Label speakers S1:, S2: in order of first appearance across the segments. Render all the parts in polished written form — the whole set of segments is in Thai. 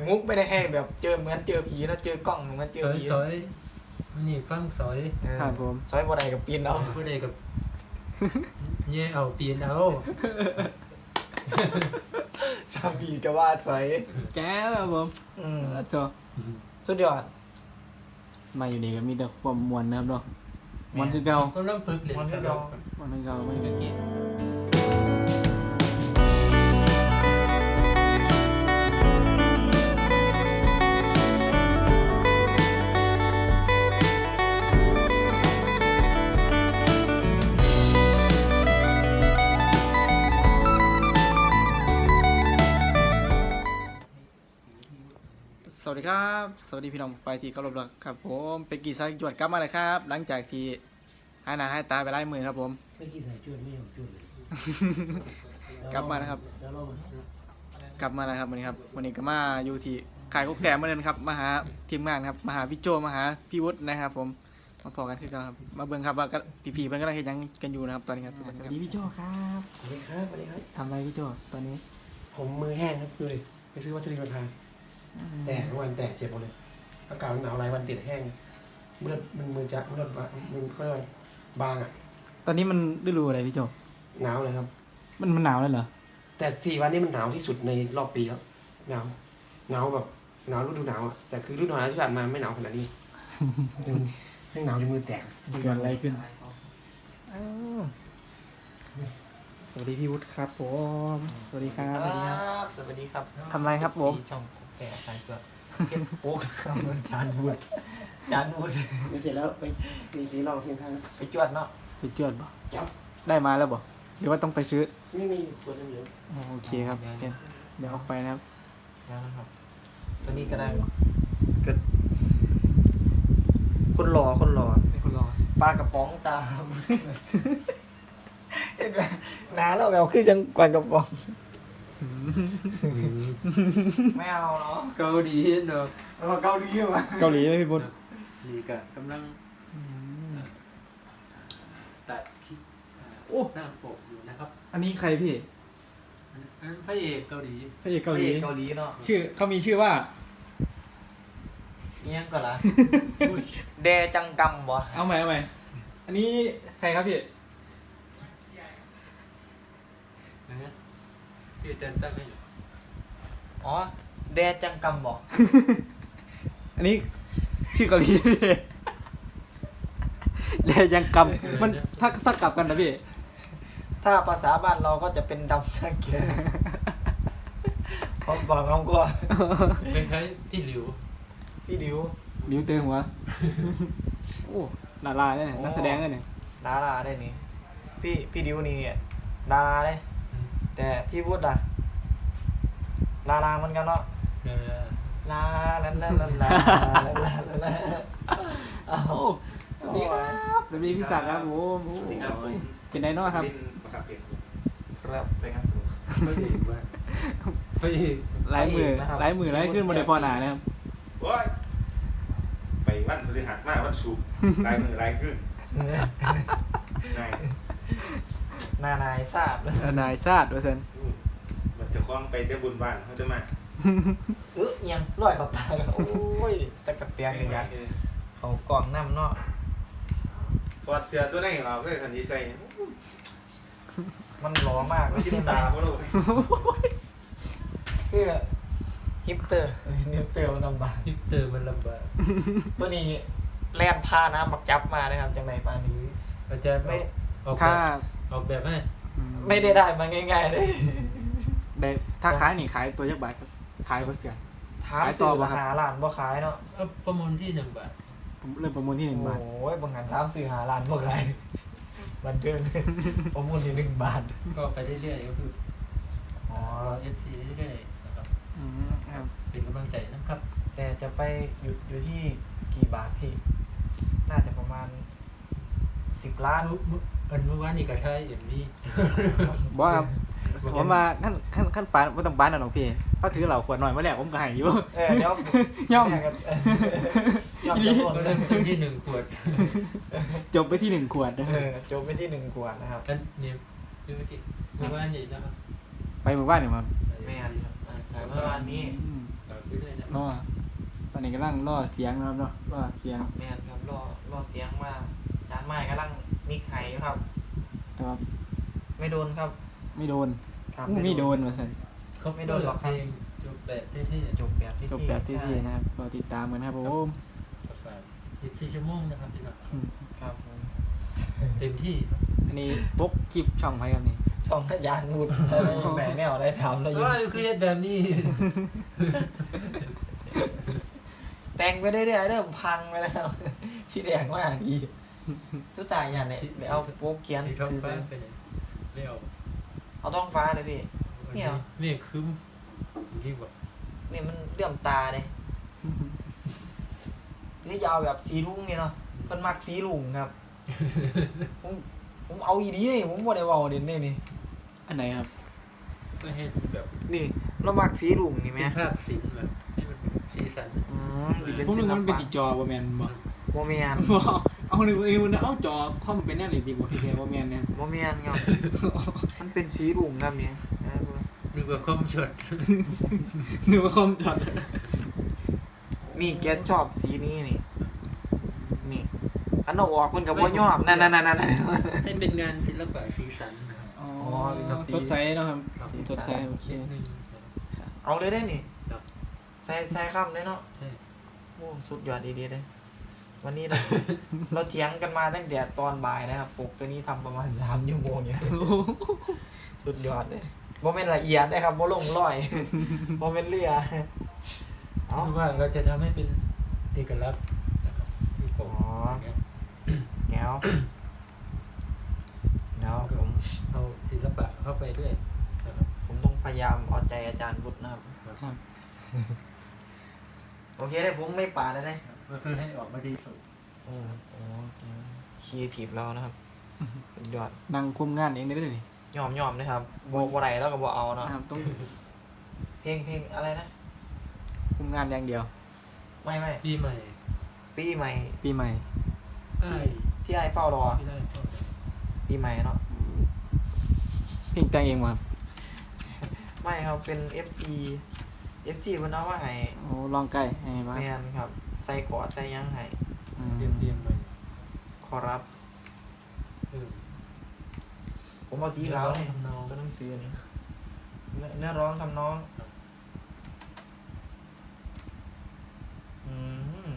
S1: มุกไม่ได้ให้แบบเจอเหมือนเจอผีนะเจอกล้องเหมือนเจอผี
S2: ซอยนี่ฟังซอย
S3: ครับผม
S1: ซอยบ่ได้กับปีนเอา
S2: ผู้ใดกับเนี่ยเอาปีนเอา
S1: สามีก็ว่าซอย
S3: แก้วครับผม โถ
S1: สุดยอด
S3: มาอยู่นี่ก็มีแต่ความมวลนะครับเนาะมวลคือเก่า
S2: ก็เริ่มฝึกเรียน
S3: มวลคือเก่าไม่ได้กินสวัสดีครับ สวัสดีพี่น้องไปที่เคารพรักครับผมเป็กกี้สายจวดกลับมาเลยครับ หลังจากที่หายหน้าหายตาไปไล่มือครับผม
S4: ไม่กี่สายจวดไม่ยอมจวดเลย
S3: กลับมานะครับ
S4: แล้วเรา
S3: กลับมาแล้วครับวันนี้ครับวันนี้ก็มาอยู่ที่ขายกุ๊กแต้มเหมือนเดิมครับมาหาทีมงานครับมาหาพี่โจมาหาพี่วุฒินะครับผมมาพอกันคือกันครับมาเบิ่งครับว่าพี่ๆเพิ่นกำลังเฮ็ดหยังกันอยู่นะครับตอนนี้ครับสวัสดีพี่โจครับ
S4: สวัสดีครับสวัสดีครับ
S3: ทำอะไรพี่โจตอนนี้
S4: ผมมือแห้งครับดูเลยไปซื้อวัสดุมาทาแตกเมื่อวันแตกเจ็บหมดเลยอากาศมันหนาวหลายวันติดแห้งเมื่อมันมือจะเมื่อมันก็บางอ่ะ
S3: ตอนนี้มันฤดูอะไรพี่โจ
S4: หนาวเลยครับ
S3: มันหนาวแล้วเหรอ
S4: แต่4 วันนี้มันหนาวที่สุดในรอบปีแล้วหนาวแบบหนาวฤดูหนาวอ่ะแต่คือฤดูหนาวที่ผ่านมาไม่หนาวขนาดนี้ยังหนาวจนมือแตก
S3: เกิดอะไรขึ้นอ้าวสวัสดีพี่วุฒิครับผมสวัสดีครับ
S1: สวัสดีครับ
S3: ทำอะไรครับผม
S1: สี่ช่องแปะสายเปลือกเก็บโป๊กครับจานบูดจานบูด
S4: เดี๋ยวเสร็จแล้วไปตีเราเพียงข้าง
S1: ไปจวดเนาะ
S3: ไปจวดบ่
S4: จับ
S3: ได้มาแล้วบ่หรือว่าต้องไปซื้อ
S4: ไม่มีส่วนนึงเยอะ
S3: อ๋อโอเคครับเดี๋ยวออกไปนะครับ
S1: แล้วนะครับตัวนี้ก็ได้ก็คนหล่อ
S3: ให้คุณรอ
S1: ปลากระป๋องตาม เห็นไหมน้าเราแบบคือจังปลากระป๋องไม่เอาเนาะ
S2: เกาหลีเนาะ
S1: เราเกาหลีมา
S3: เกาหลีไหมพี่บุญ
S2: นี่ก็กำลังตัดคลิปหน้าปกอยู่นะครับ
S3: อันนี้ใครพี่
S2: อันพระเอกเกาหลี
S3: พระเอกเกาหลี
S1: เกาหลีเนาะ
S3: ชื่อเขามีชื่อว่า
S1: เนี่ยก่อนละแดจังกำวะ
S3: เอาใหม่อันนี้ใครครับพี่
S2: นะฮะที่อาจารย์ตั้งให้อยู่
S1: อ๋อแดจังกำบอก
S3: อันนี้ชื่อเกาหลีพี่แดยังกำมันถ้ากลับกันนะพี่
S1: ถ้าภาษาบ้านเราก็จะเป็นดำสังเกตผมบอกเขาก็
S2: เป็นใครที่หลิว
S1: พี่ดิว
S3: นิ้วเตือนหัวโอ้ดาราเนี่ยนักแสดงเนี่ย
S1: ดาราได้นี่พี่ดิวนี่ดาราได้ แต่พี่วุฒิอะดาราเหมือนกันเนาะ
S2: เออ
S1: ลาลาลาลาลาลาลาเอา
S3: สวัสดีครับสวัสดีพี่ศักดิ์ครับผมโอ้ยเป็นไดโน่ครับ
S1: ครับไปครับ
S2: พระเอกว่าพระเอก
S3: ไล่มือไล่ขึ้นบนไดพอหนานะครับ
S5: โอ้ยไปวันพฤหัสมาวันศุกร์ลายมือลายขึ้นนาย
S1: นายทราบแล้ว
S3: นายซาดด้วยเซน
S5: มันจะคล้องไปเจ้าบุญบ้านเขาจะมา
S1: ยังลอยเขาตายโอ้ยตะกะเตียงเลยกันเขากล่องน้ำเนาะ
S5: ถอดเสื้อตัวไหนออกเลยคันที่ใส่
S1: มันหล่อมากเลย
S5: จิ้
S1: ใช่
S5: ม
S1: ไหม
S5: ตาเขาเลย
S1: คือฮิปเตอร์มันลำบาก
S2: ฮิปเตอร์มันลำบาก
S1: ตัวนี้แล่นพาน้ำบักจับมานะครับจากไหนปานี้
S2: อาจารย์
S1: ไม่
S2: ออกแบ
S3: ถ้า
S2: บออกแบบให้
S1: ไม่ได้มาง่ายๆเลย
S3: ได้ถ้าขายนี่ขายตัวยักษ์บาทครับขายเปอร์เซ็นต์
S1: ถาม
S3: ขายต่
S1: สื่
S3: อ
S1: อ
S3: บ่ครับ
S1: หาล้านบ่ขายเนาะ
S2: เอาประมูลที่1 บาท
S3: ผมเริ่มประมูลที่1 บาท
S1: โอ้ยบางงานถามสื่อหาล้านบ่ขายบันเทิงประมูลที่1 บาท
S2: ก็ไปเรื่อยๆก็คือ
S1: อ๋อ
S2: รอ FC เรื่อยๆนะครับ
S3: ครับ
S2: เป็นกำลังใจนะครับ
S1: แต่จะไปอยู่ที่กี่บาทพี่น่าจะประมาณ10 ล้าน
S2: เมื่อวานนี่ก็ใช้เอ็มวี
S3: บอกครับผมมาขั้นปานไม่ต้องปานนะหรอกพี่เขาถือเหล่าขวดหน่อยมาแล้วผมก็ให้อยู่
S1: เดี๋ยว
S3: ย่อม
S1: แกันย่อมจะหมด
S2: ก็เริ่มต้นที่1 ขวด
S3: จบไปที่1 ขวดนะค
S1: เอ
S3: รับ
S1: อจบไปที่1 ขวดนะครับ
S2: นั่นนี่คือเมื่อวานนี่นะครับ
S3: ไปหมู่บ้านเนี่ยมา
S1: ไม่อันครับเมื่อวานนี้
S3: อืม
S2: ต่อไปเรื่อยนะ
S3: รอตอนนี้กำลังรอเสียงนะครับเนาะรอเสียง
S1: แมนครับรอเสียงว่าจานไม้กำลังมิกไห้อยู่ครับ
S3: แต่ว่า
S1: ไม่โดนครับ
S3: ไม่โดน
S1: ครับ
S3: ไม่โดนมาสั่น
S2: เขาไม่โดนหรอกเพลงจบแบบเท่
S1: จบแบบที่
S3: จบแบบที่ดีนะครับรอติดตามกันนะครับผม
S2: ๆประมาณ24 ชั่วโมงนะครับพี่น้อง
S1: ครับผม
S2: เต็มที่
S3: อันนี้พกคลิปช่องไว้ครับนี่
S1: ช่องทะยานบุตรอะไรแหม่แนวได้ทำแล้ว
S2: เพ
S1: ยิ
S2: ราะ
S1: ง
S2: ว่าคือเฮ็ดแบบนี้
S1: แต่งไปเรื่อยๆเริ่มพังไปแล้ว ที่แดงมากดีทุกตายอย่างเนี่ยเดี๋ยวเอาโป๊กเขียน
S2: สีท้อง
S1: ซื้อไป
S2: ฟ้าไปไหนไม่เอา
S1: เอาท้องฟ้าเลยพี่ เนี่ย
S2: เมฆครึ้มที่บอก
S1: นี่มันเลื่อมตาเลยนี่ยาวแบบสีรุ้งนี่เนาะมันมักสีรุ้งครับ ผมเอาอีดีนี่ผมบ่ได้เว้าเด่นนี่
S3: อันไหนครับ
S2: ก็เฮ็ดแบบ
S1: นี่เรามักสีรุ้งนี่ไหม
S2: เป็นภาพศิลป์แบบให้มันเป็นสีสัน
S1: ดิเป็น
S3: ผมนึ
S1: ศิ
S3: ก
S1: ล
S3: ว่ามันเป็น
S1: ปะ
S3: ติจอบ่แม่นบ่
S1: โมเมียน
S3: บ่เอาหนึ่งเอาจอคอมเป็นแน่เลยติบ่พี่แกบ่แม่นเนี่ย
S1: โมเมียนครับ มันเป็นสีรุ้งครับเนี่ย
S2: นึกว่าคอมช็อต
S3: นึกว่าคอมจอด
S1: นี่แกชอบสีนี้นี่นี่อันเอาออกมันกับว่ายอมนั่น
S2: ให้เป็นงานศิลปะสีสันนะครับ
S3: อ๋อ
S1: เป็นแบบสี
S3: สดใสเนาะครับ
S2: ครับ
S3: สีสดใสโอเค
S2: นิดนึง
S1: เอาเลยได้นี่
S2: ครับ
S1: ใส่ข้ามเลยเนาะ
S2: ใช่
S1: โอ้สุดยอดดีๆเลยวันนี้เรา เราเถียงกันมาตั้งแต่ตอนบ่ายนะครับปกตัวนี้ทำประมาณ3 ชั่วโมงเนี่ยสุดยอดเลยโมเมนต์ละเอียดนะครับโมลงร้อย โมเมนต์เลียเอา
S2: คือว่าเราจะทำให้เป็นเอกลักษณ์นะครับที่ผมอย่างเงี้ย
S1: แก้วแล้วผม
S2: เอาศิลปะเข้าไปด้วยนะครับ
S1: ผมต้องพยายามเอาใจอาจารย์บุตรนะครับ
S3: ครับ
S1: โอเคได้ผมไม่ป่าดได้
S2: ก็คือให้ออกมาดีสุด
S1: โอ้คีทีฟเรานะครับสุดยอด
S3: นั่งคุมงานเองได้เลยนี่
S1: ยอมนะครับบ่ไรแล้วก็บ่เอาเนาะ
S3: นะครับต้อง
S1: เพลงอะไรนะ
S3: คุมงานอย่างเดียว
S1: ไม่
S2: ปีใหม่
S1: ปีใหม่
S3: ปีใหม่
S2: อ้าย
S1: ที่ไอ้เฝ้ารอ
S2: ที่ได้เข้าไป
S1: ปีใหม่เนาะ
S3: เพลงแต่งเองมาครับ
S1: ไม่ครับเป็น FC เพิ่นเอามาให้
S3: โอ้ลองไก่ให้มา
S1: แม่นครับ ใส่กอดใส่หยังให้
S3: อืม
S2: เรียงๆไป
S1: ขอรับ
S2: เออ
S1: ผมเอาสีขาวนี่
S2: ทำนอง
S1: ตัวหนังสือนี่เนื้อร้องทำน้องอืม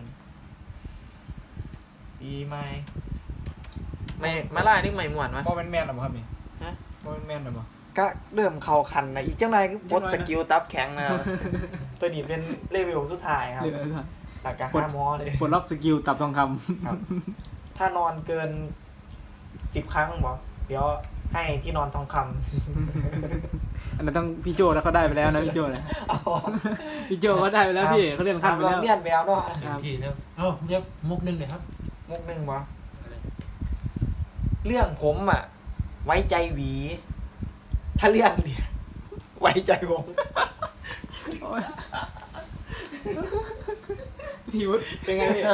S1: ปีใหม่ไม่มาล่านี่ใหม่ม่วนมั้ย
S3: บ่แม่นแม่นหรอบ่ครับนี่
S1: ฮะ
S3: บ่แม่นแม่นหรอบ่
S1: ก็เริ่มเข้าคันนะอีกจังไรก็ปลด
S3: จังไร
S1: ส
S3: นะ
S1: กิลตับแข็งนะครับ ตัวนี้เป็นเลเวลสุดท้ายครับ
S3: เดี๋ยวนะ
S1: หลักการ
S3: ปลด
S1: 5 มอเลย
S3: ปลดล็อกสกิลตับทองคำ
S1: ครับ ถ้านอนเกิน10 ครั้งบอกเดี๋ยวให้ที่นอนทองค
S3: อันนั้นต้องพี่โจแล้วเขาได้ไปแล้วนะพี่โจนะ
S1: ำเอา
S3: พี่โจเขาได้ไปแล้วพี่เขาเรียนขั้นไป
S1: เรา
S3: แล้ว
S1: เลี่ยนไปแล้วเนาะ
S2: เต็มที่นะครับเอ้าเรียกมุกหนึงเลยครับ
S1: มุกหนึ่งวะ
S2: อะไร
S1: เรื่องผมอ่ะ ไว้ใจหวี ถ้าเรื่องเนี่ยไว้ใจผม
S3: โอ๊ยพี่วุฒิเป็นไงพี่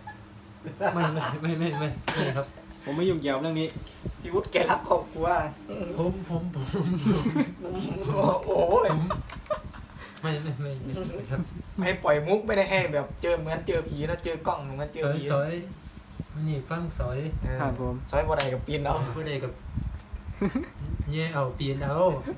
S2: ไม่ครับ
S3: ผมไม่ยุ่งเกี่ยวกับเรื่องนี้
S1: พี่วุฒิแกรักครอบครัว
S2: ผม
S1: โอ้ย
S2: ไม่ครับ
S1: ไม่ให้ปล่อยมุกไม่ได้ให้แบบเจอเหมือนเจอผีนะเจอกล้องเหมือนเจอผี
S2: สอยนี่ฟังสอย
S1: เออ
S3: ครับผม
S1: ซอยบ่ได้กับปีนเอา
S2: ผู้ใดกับเนี่ยเอาปีนเอา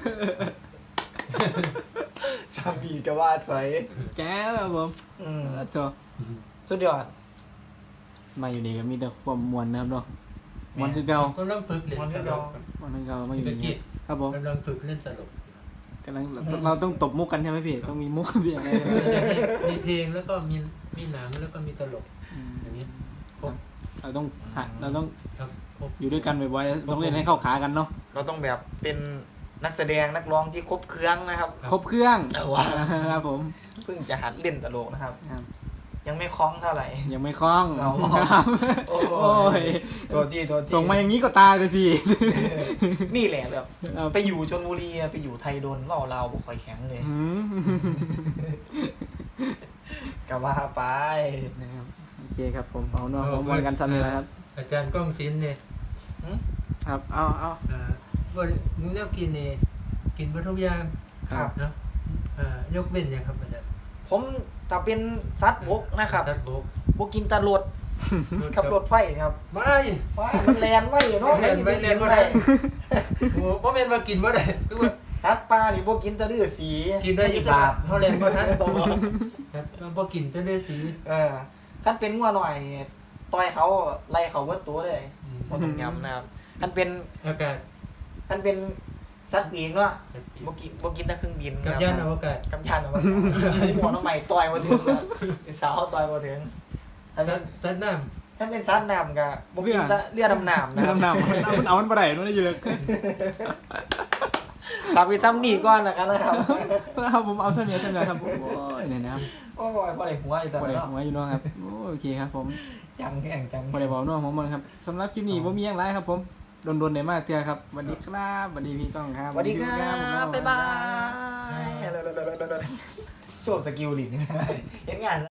S1: สามีก็ว่าซอย
S3: แก้วครับผม
S1: อืม
S3: โจ
S1: สุดยอด
S3: มาอยู่นี่ก็มีแต่ความมวลนะครับเนาะมวลคือเก่าก
S2: ำลังฝึกเล่นตลก
S3: มวลคือเก่ามาอยู่นี่ครับผม
S2: กำลังฝึกเล่นตลก
S3: กำลังเราต้องตบมุกกันใช่ไหมพี่ต้องมีมุกเบี่ยงอะไร
S2: มีเพลงแล้วก็มีหนังแล้วก็มีตลกอย่างนี้ครบ
S3: เราต้องเราต้อง
S2: ครับครบ
S3: อยู่ด้วยกันบ่อยๆต้องเล่นให้เข้าขากันเนาะ
S1: เราต้องแบบเป็นนักแสดงนักร้องที่ครบเครื่องนะครับ
S3: ครบเครื่อง
S1: แต่ว่า
S3: ครับผม
S1: เพิ่งจะหัดเล่นตลกนะครับ
S3: ครับ
S1: ยังไม่คล้องเท่าไหร่
S3: ยังไม่คล่อง
S1: เอา
S3: ครับ
S1: โอ้
S3: โอ้ย
S1: ตัวที่
S3: ส่งมาอย่างนี้ก็ตายเลยสิ
S1: นี่แหละแบบ
S3: ครับ
S1: ไปอยู่ชลบุรีอะไปอยู่ไทยโดนเล่าเราบ่ค่อยแข็งเลย
S3: อืม
S1: ก็ว่าไป
S3: นะครับโอเคครับผมเอาเนาะผมมวนกันทันเลยนะครับ
S2: อาจารย์ก้องศิลป์เนี่ย
S3: ครับเอา
S2: วันมึงเลือกกินเนี่ยกินวัตถุกอยาง
S1: ครับ
S2: เนาะยกเว้นยังครับอาจารย์
S1: ผมถ้าเป็นสัตว์บกนะครับ
S2: สัตว์บก
S1: บกินแตรถขับรถไฟครับ
S2: ไม่
S1: ว้ามันแลนไม่เนาะ
S2: เรียนไปเรียนบ่ได้โอ้บ่แม่นว่ากินบ่ได้คือว่า
S1: สัตว์ป่านี่บกินแตะลือสี
S2: กินได้อีกบาทเฮาเรียนบ่ทันครับมันบ่กินแต่เลือดสี
S1: คันเป็นงัวหน่อยนี่ต่อยเขาไล่เขาเบิดตัวเลยบ่ต้องยำนะครับคันเป็น
S2: อากาศ
S1: คันเป็นสัตว์ปีกเนาะบ่กินแต่เครื่องบิน
S2: กับ
S1: ครับ
S2: ยานอวกาศ
S1: กับยานเอาไว้หัวน้องใหม่ต่อยบ่ถึงครับเป็นสาวต่อยบ่ถึงถ้าเป็น
S2: สัตว์น้ำ
S1: ถ้าเป็นสัตว์น้ำก็บ่กินแต่เรือดำน้ำ
S3: เรื่
S1: นะ
S3: อง
S1: ครับ
S3: น้ำมันเอามันบ่ได้นู่นอยู่เลย
S1: ฝากไปซ้ำนี่ก่อนแล้วกันนะครับ
S3: ครับผมเอาเสนียครับโอ้ยเนี่ยนะครับ
S1: โอ้ยบ่ได้หัวอีกแต่
S3: บ่ได้
S1: เนาะ
S3: หัวอยู่เนาะครับโอเคครับผม
S1: จังแห้งจัง
S3: บ่ได้บอกน้องผมมันครับสำหรับคลิปนี้บ่มีหยังไรครับผมโดนๆได้มากเตือครับสวัสดีครับสวัสดีพี่ก้องครับ
S1: สวัสดีครับบ๊ายบายโชว์สกิลดิเห็นงาน